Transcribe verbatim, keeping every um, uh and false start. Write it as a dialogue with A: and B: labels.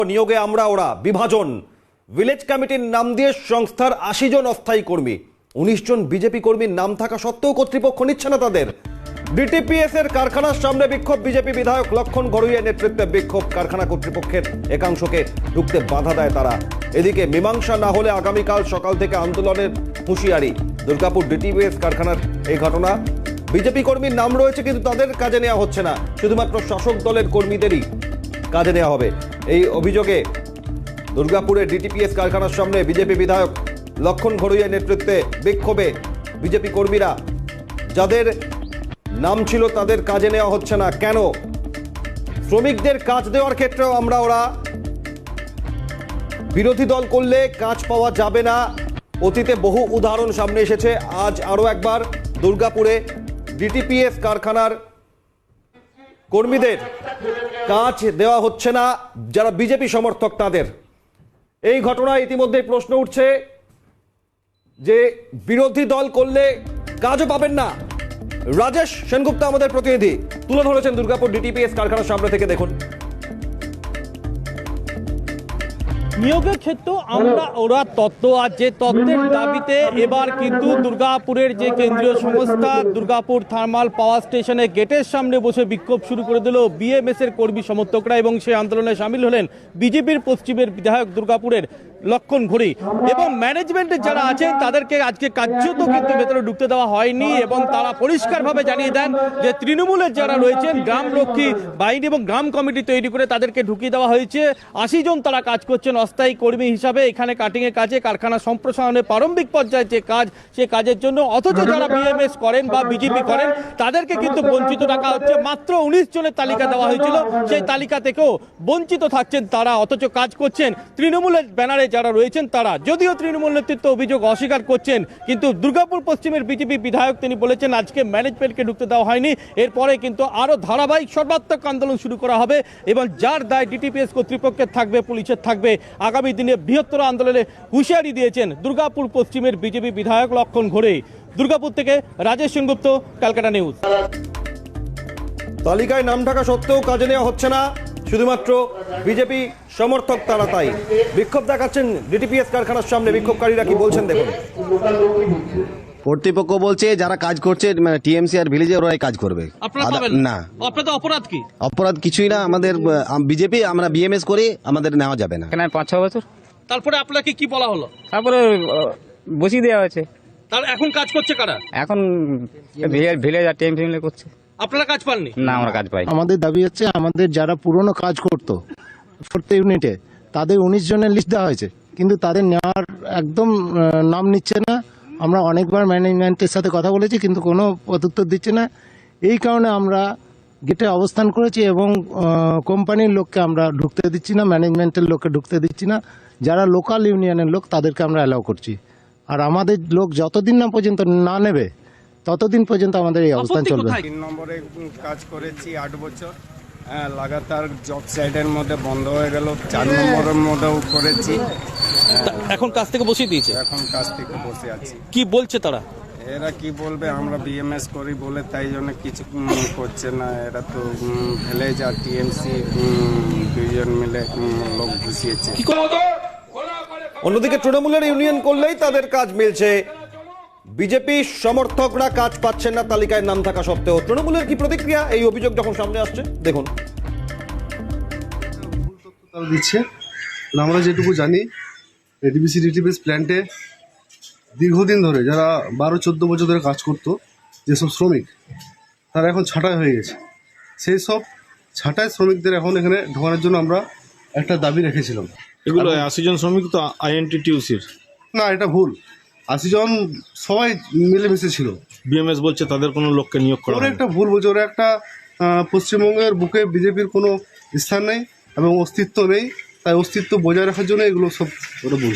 A: নিয়োগে আমরা ওরা বিভাজন ভিলেজ কমিটির নাম দিয়ে সংস্থার আশি জন অস্থায়ী কর্মী উনিশ জন বিজেপি কর্মীর নাম থাকা সত্ত্বেও কর্তৃপক্ষ নিচ্ছে না তাদের। ডিটিপিএস এর কারখানার সামনে বিক্ষোভ, বিজেপি বিধায়ক লক্ষণ ঘড়ুইয়ের নেতৃত্বে বিক্ষোভ, কারখানা কর্তৃপক্ষের একাংশকে ঢুকতে বাধা দেয় তারা। এদিকে মীমাংসা না হলে আগামীকাল সকাল থেকে আন্দোলনের হুঁশিয়ারি। দুর্গাপুর ডিটিপিএস কারখানার এই ঘটনা, বিজেপি কর্মীর নাম রয়েছে কিন্তু তাদের কাজে নেওয়া হচ্ছে না, শুধুমাত্র শাসক দলের কর্মীদেরই কাজে নেওয়া হবে। এই অভিযোগে দুর্গাপুরের ডিটিপিএস কারখানার সামনে বিজেপি বিধায়ক লক্ষণ ঘড়ুইয়ের নেতৃত্বে বিক্ষোভে বিজেপি কর্মীরা, যাদের নাম ছিল তাদের কাজে নেওয়া হচ্ছে না কেন? শ্রমিকদের কাজ দেওয়ার ক্ষেত্রেও আমরা ওরা বিরোধী দল করলে কাজ পাওয়া যাবে না। অতীতে বহু উদাহরণ সামনে এসেছে, আজ আরো একবার দুর্গাপুরে ডিটিপিএস কারখানার কর্মীদের কাজ দেওয়া হচ্ছে না, যারা বিজেপি সমর্থক তাদের। এই ঘটনায় ইতিমধ্যে প্রশ্ন উঠছে যে বিরোধী দল করলে কাজও পাবেন না। রাজেশ সেনগুপ্ত আমাদের প্রতিনিধি তুলে ধরেছেন দুর্গাপুর ডিটিপিএস কারখানার সামনে থেকে, দেখুন।
B: নিয়োগের ক্ষেত্রে আমরা ওরা তত্ত্ব আর যে তত্ত্বের দাবিতে এবার কিন্তু দুর্গাপুরের যে কেন্দ্রীয় সংস্থা দুর্গাপুর থার্মাল পাওয়ার স্টেশনের গেটের সামনে বসে বিক্ষোভ শুরু করে দিল বিএমএস এর কর্মী সমর্থকরা, এবং সেই আন্দোলনে সামিল হলেন বিজেপির পশ্চিমের বিধায়ক দুর্গাপুরের লক্ষণ ঘড়ুই এবং ম্যানেজমেন্টের যারা আছেন তাদেরকে আজকে কার্যত কিন্তু ভেতরে ঢুকতে দেওয়া হয়নি, এবং তারা পরিষ্কারভাবে জানিয়ে দেন যে তৃণমূলের যারা রয়েছেন গ্রাম রক্ষী বাহিনী এবং গ্রাম কমিটি তৈরি করে তাদেরকে ঢুকিয়ে দেওয়া হয়েছে। আশি জন তারা কাজ করছেন অস্থায়ী কর্মী হিসাবে এখানে কাটিং এর কাজে, কারখানা সম্প্রসারণের প্রারম্ভিক পর্যায়ে যে কাজ সে কাজের জন্য, অথচ যারা বিএমএস করেন বা বিজেপি করেন তাদেরকে কিন্তু বঞ্চিত রাখা হচ্ছে। মাত্র উনিশ জনের তালিকা দেওয়া হয়েছিল, সেই তালিকা থেকেও বঞ্চিত থাকছেন তারা, অথচ কাজ করছেন তৃণমূলের ব্যানারে যারা রয়েছেন তারা। যদিও তৃণমূল নেতৃত্ব অভিযোগ অস্বীকার করছেন, কিন্তু দুর্গাপুর পশ্চিমের বিজেপি বিধায়ক তিনি বলেছেন আজকে ম্যানেজমেন্টকে ঢুকতে দেওয়া হয়নি, এরপরে কিন্তু আরো ধারাবাহিক সর্বাত্মক আন্দোলন শুরু করা হবে, এবং যার দায় ডিটিপিএস কর্তৃপক্ষের থাকবে, পুলিশের থাকবে। আগামী দিনে বৃহত্তর আন্দোলনে হুঁশিয়ারি দিয়েছেন দুর্গাপুর পশ্চিমের বিজেপি বিধায়ক লক্ষণ ঘড়ুই। দুর্গাপুর থেকে রাজেশ সেনগুপ্ত, ক্যালকাটা নিউজ।
A: তালিকায় নাম থাকা সত্ত্বেও কাজে নেওয়া হচ্ছে না, শুধুমাত্র বিজেপি সমর্থক তারা, তাই বিক্ষোভ দেখাচ্ছেন ডিটিপিএস কারখানার সামনে। বিক্ষোভকারীরা কি বলছেন দেখুন।
C: কর্তৃপক্ষ বলছে যারা কাজ করছে টিএমসি আর ভিলেজে ওরাই কাজ করবে না।
B: আপনাদের অপরাধ কি?
C: অপরাধ কিছুই না, আমাদের বিজেপি, আমরা বিএমএস করি, আমাদের নেওয়া যাবে না।
D: এখানে পাঁচ ছ বছর।
B: তারপরে আপনাকে কি বলা হলো?
D: তারপরে বসিয়ে দেওয়া হয়েছে।
B: তার এখন কাজ করছে কারা?
D: এখন ভিলেজ আর টিএমসি মিলে করছে।
B: আপনারা কাজ পাননি?
D: না, আমরা কাজ পাই।
E: আমাদের দাবি হচ্ছে আমাদের যারা পুরনো কাজ করতো ফোর্থ ইউনিটে তাদের উনিশ জনের লিস্ট দেওয়া হয়েছে, কিন্তু তাদের নেওয়ার একদম নাম নিচ্ছে না। আমরা অনেকবার ম্যানেজমেন্টের সাথে কথা বলেছি, কিন্তু কোনো প্রত্যুত্তর দিচ্ছে না। এই কারণে আমরা গেটে অবস্থান করেছি এবং কোম্পানির লোককে আমরা ঢুকতে দিচ্ছি না, ম্যানেজমেন্টের লোককে ঢুকতে দিচ্ছি না। যারা লোকাল ইউনিয়নের লোক তাদেরকে আমরা অ্যালাউ করছি, আর আমাদের লোক যতদিন না পর্যন্ত না নেবে ততদিন পর্যন্ত আমাদের এই অবস্থান চলবে।
F: তিন নম্বরে কাজ করেছি আট বছর, হ্যাঁ, লাগাতার জব সাইডের মধ্যে বন্ধ হয়ে গেল। চার নম্বরের মধ্যেও করেছি,
B: এখন কাজ থেকে বসিয়ে দিয়েছে।
F: এখন কাজ থেকে বসে আছি।
B: কি বলছে তারা?
F: এরা কি বলবে, আমরা বিএমএস করি বলে তাই জন্য কিছু করছে না। এরা তো ভিলেজ আর টিএমসি দুইজন মিলে লোক ঘুষিয়েছে।
A: অন্যদিকে তৃণমূলের ইউনিয়ন করলেই তাদের কাজ মিলছে, বিজেপি সমর্থকরা কাজ পাচ্ছেন না তালিকায় নাম থাকা সত্ত্বেও। তৃণমূলের কি প্রতিক্রিয়া এই অভিযোগ যখন সামনে আসছে দেখুন।
G: দিচ্ছে আমরা যেটুকু জানি, এডিবিসি ডিটিপিএস প্ল্যান্টে দীর্ঘদিন ধরে যারা বারো চোদ্দো বছর ধরে কাজ করতো যেসব শ্রমিক, তারা এখন ছাঁটাই হয়ে গেছে। সেই সব ছাঁটাই শ্রমিকদের এখন এখানে ঢোকানোর জন্য আমরা একটা দাবি রেখেছিলাম।
H: এগুলো আশি জন শ্রমিক তো আইএনটিটিউসির
G: না, এটা ভুল। আশি জন সবাই মিলেমিশে ছিল।
H: বিএমএস বলছে তাদের কোনো লোককে নিয়োগ করা
G: ওরা একটা ভুল বলছে। ওরা একটা পশ্চিমবঙ্গের বুকে বিজেপির কোনো স্থান নেই এবং অস্তিত্ব নেই, তাই অস্তিত্ব বজায় রাখার জন্য এগুলো সব ওরা বলছে।